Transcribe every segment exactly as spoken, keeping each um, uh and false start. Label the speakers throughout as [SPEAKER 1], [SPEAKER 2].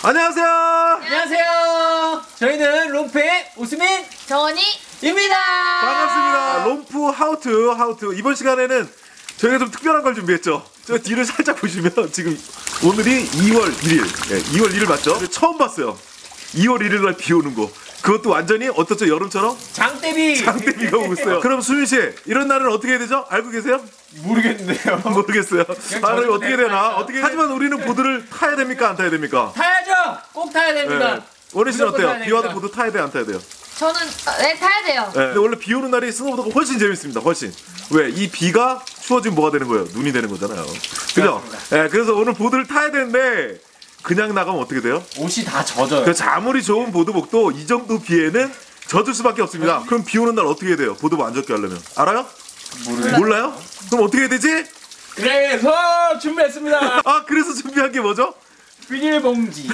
[SPEAKER 1] 안녕하세요.
[SPEAKER 2] 안녕하세요. 저희는 롬프의 오수민,
[SPEAKER 3] 정원이입니다.
[SPEAKER 1] 반갑습니다. 롬프 하우투 하우투. 이번 시간에는 저희가 좀 특별한 걸 준비했죠. 저 뒤를 살짝 보시면 지금 오늘이 이월 일일, 네, 이월 일일 맞죠? 처음 봤어요. 이월 일일 날 비 오는 거. 그것도 완전히 어떻죠? 여름처럼?
[SPEAKER 2] 장대비!
[SPEAKER 1] 장대비가 오고 있어요. 그럼 수민 씨, 이런 날은 어떻게 해야 되죠? 알고 계세요?
[SPEAKER 2] 모르겠는데요.
[SPEAKER 1] 모르겠어요. 아, 어떻게 되나? 어떻게 하지만 우리는 보드를 타야 됩니까? 안 타야 됩니까?
[SPEAKER 2] 타야죠! 꼭 타야 됩니다.
[SPEAKER 1] 네. 원희 씨는 어때요?
[SPEAKER 2] 타야
[SPEAKER 1] 비 와도
[SPEAKER 2] 됩니다.
[SPEAKER 1] 보드 타야 돼요? 안 타야 돼요?
[SPEAKER 3] 저는 네 타야 돼요.
[SPEAKER 1] 네. 근데 원래 비 오는 날이 스노보드가 훨씬 재밌습니다. 훨씬. 왜? 이 비가 추워지면 뭐가 되는 거예요? 눈이 되는 거잖아요. 그죠? 네, 그래서 오늘 보드를 타야 되는데 그냥 나가면 어떻게 돼요?
[SPEAKER 2] 옷이 다 젖어요.
[SPEAKER 1] 그래서 아무리 좋은 보드복도 이 정도 비에는 젖을 수밖에 없습니다. 그럼 비 오는 날 어떻게 해야 돼요? 보드복 안 젖게 하려면. 알아요?
[SPEAKER 2] 모르겠어요.
[SPEAKER 1] 몰라요? 그럼 어떻게 해야 되지?
[SPEAKER 2] 그래서 준비했습니다.
[SPEAKER 1] 아, 그래서 준비한 게 뭐죠?
[SPEAKER 2] 비닐봉지.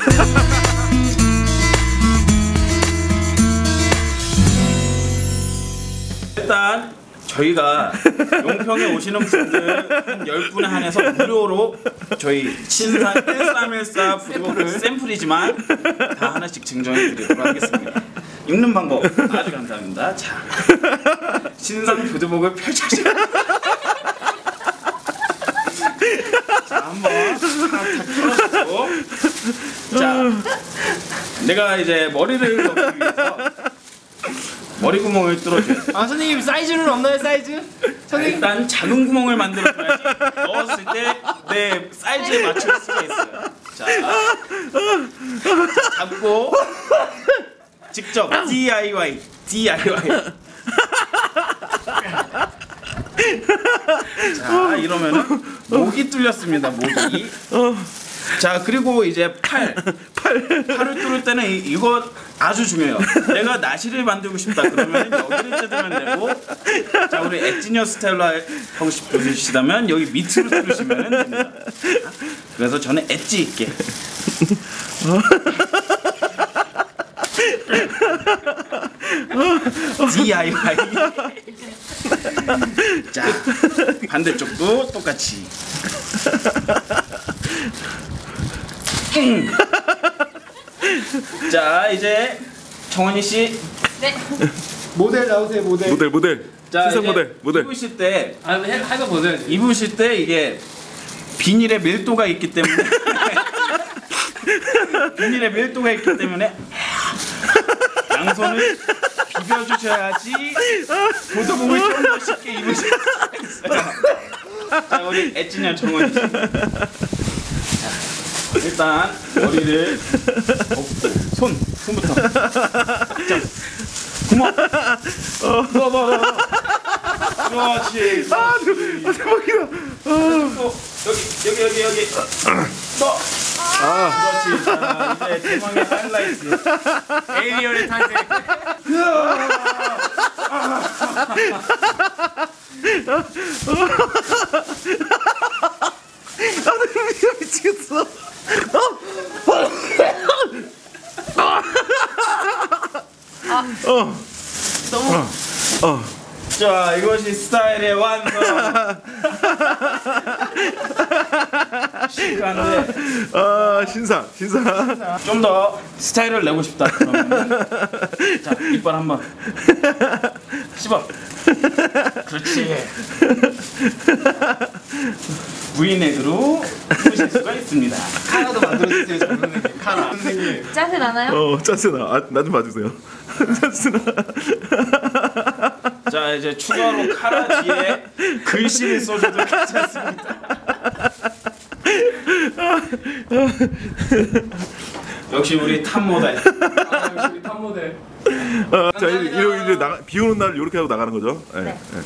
[SPEAKER 4] 일단 저희가 용평에 오시는 분들 한 열 분에 한해서 무료로 저희 신상 일삼일사 푸드복 샘플이지만 다 하나씩 증정해 드리도록 하겠습니다. 입는 방법 아주 감사합니다. 자, 신상 푸드복을 펼쳐주세요. 자, 한번 탁탁 털어주고, 자, 내가 이제 머리를 넣기 위해서 머리 구멍을 뚫어줘요.
[SPEAKER 2] 아, 선생님 사이즈는 없나요, 사이즈? 선생님.
[SPEAKER 4] 일단 작은 구멍을 만들어줘야지 넣었을 때 내 사이즈에 맞출 수가 있어요. 자, 잡고 직접 디아이와이 디아이와이. 자, 이러면은 목이 뚫렸습니다. 목이. 자, 그리고 이제 팔, 팔, 팔을 뚫을 때는 이, 이거 아주 중요해요. 내가 나시를 만들고 싶다 그러면 여기를 뜯으면 되고, 자, 우리 엣지니어 스타일로 하고 싶으시다면 여기 밑으로 뚫으시면 됩니다. 그래서 저는 엣지 있게. 디아이와이. 자, 반대쪽도 똑같이. 음. 자, 이제 정원이 씨.
[SPEAKER 3] 네.
[SPEAKER 2] 모델 나오세요, 모델.
[SPEAKER 1] 모델, 모델.
[SPEAKER 4] 자,
[SPEAKER 1] 신상
[SPEAKER 4] 이제
[SPEAKER 1] 모델, 모델.
[SPEAKER 4] 입으실 때,
[SPEAKER 2] 아, 해봐 보세요.
[SPEAKER 4] 입으실 때 이게 비닐의 밀도가 있기 때문에 비닐의 밀도가 있기 때문에 양손을 비벼주셔야지 보드복을 좀 더 쉽게 입으실 수가 있어요. 자, 우리 엣지니어 정원이 씨. 일단 머리를 엎고 손, 손부터 자, 구멍 넣어봐. 그렇지.
[SPEAKER 1] 아, 대박이다.
[SPEAKER 4] 또 여기 여기 여기 여기 또. 아, 그렇지. 자, 이제 대망의 하이라이트.
[SPEAKER 2] 에이리언의 탄생.
[SPEAKER 1] 아, 미치겠어. 어.
[SPEAKER 3] 너무
[SPEAKER 1] 어. 어.
[SPEAKER 4] 자, 이것이 스타일의 완성. 시크한데
[SPEAKER 1] 아, 신상, 신상.
[SPEAKER 4] 좀 더 스타일을 내고 싶다 그러면 자, 이빨 한번 씹어. 그렇지. V넥으로 푸실 수가 있습니다.
[SPEAKER 2] 카라도 만들어주세요, 선생님. 카라. 선생님.
[SPEAKER 3] 짜세 나나요?
[SPEAKER 1] 어, 짠스나. 아, 나 좀 봐주세요. 짠스나.
[SPEAKER 4] 자, 이제 추가로 카라 뒤에 글씨를 써줘도 괜찮습니다. 역시 우리 탑 모델.
[SPEAKER 2] 아, 역시 탑 모델.
[SPEAKER 1] 어, 자, 이제, 이제 나가, 비 오는 날 이렇게 하고 나가는 거죠. 네.
[SPEAKER 3] 네.
[SPEAKER 1] 네.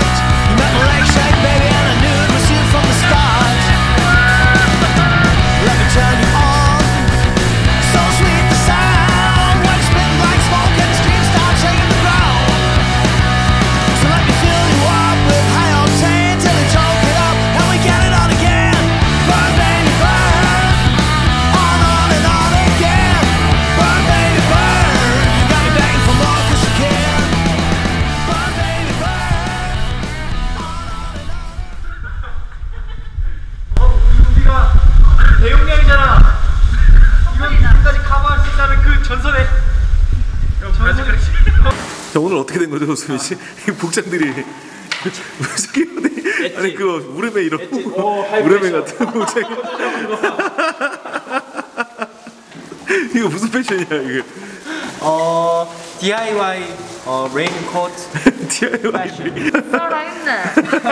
[SPEAKER 5] Like
[SPEAKER 1] 자, 오늘 어떻게 된 거죠, 수민 씨? 이 복장들이 무슨 아니 그거 무릎에 이런
[SPEAKER 4] 오,
[SPEAKER 1] 무릎에 같은 복장. 이거 무슨 패션이야 이게?
[SPEAKER 5] 어 디아이와이 어 레인코트
[SPEAKER 1] 디아이와이.
[SPEAKER 3] 살아있네.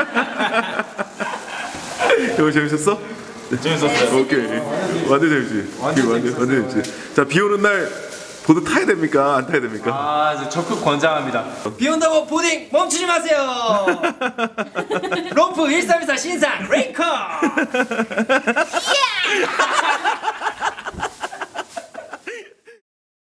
[SPEAKER 1] 이거 재밌었어?
[SPEAKER 4] 재밌었어요.
[SPEAKER 1] 오케이. 완전 재밌지. 완전 완전 완전 재밌지. 자, 비 오는 날 보드 타야 됩니까? 안 타야 됩니까?
[SPEAKER 5] 아 이제 적극 권장합니다. 비 온다고 보딩 멈추지 마세요. 롬프 일삼이사 신상 레인커.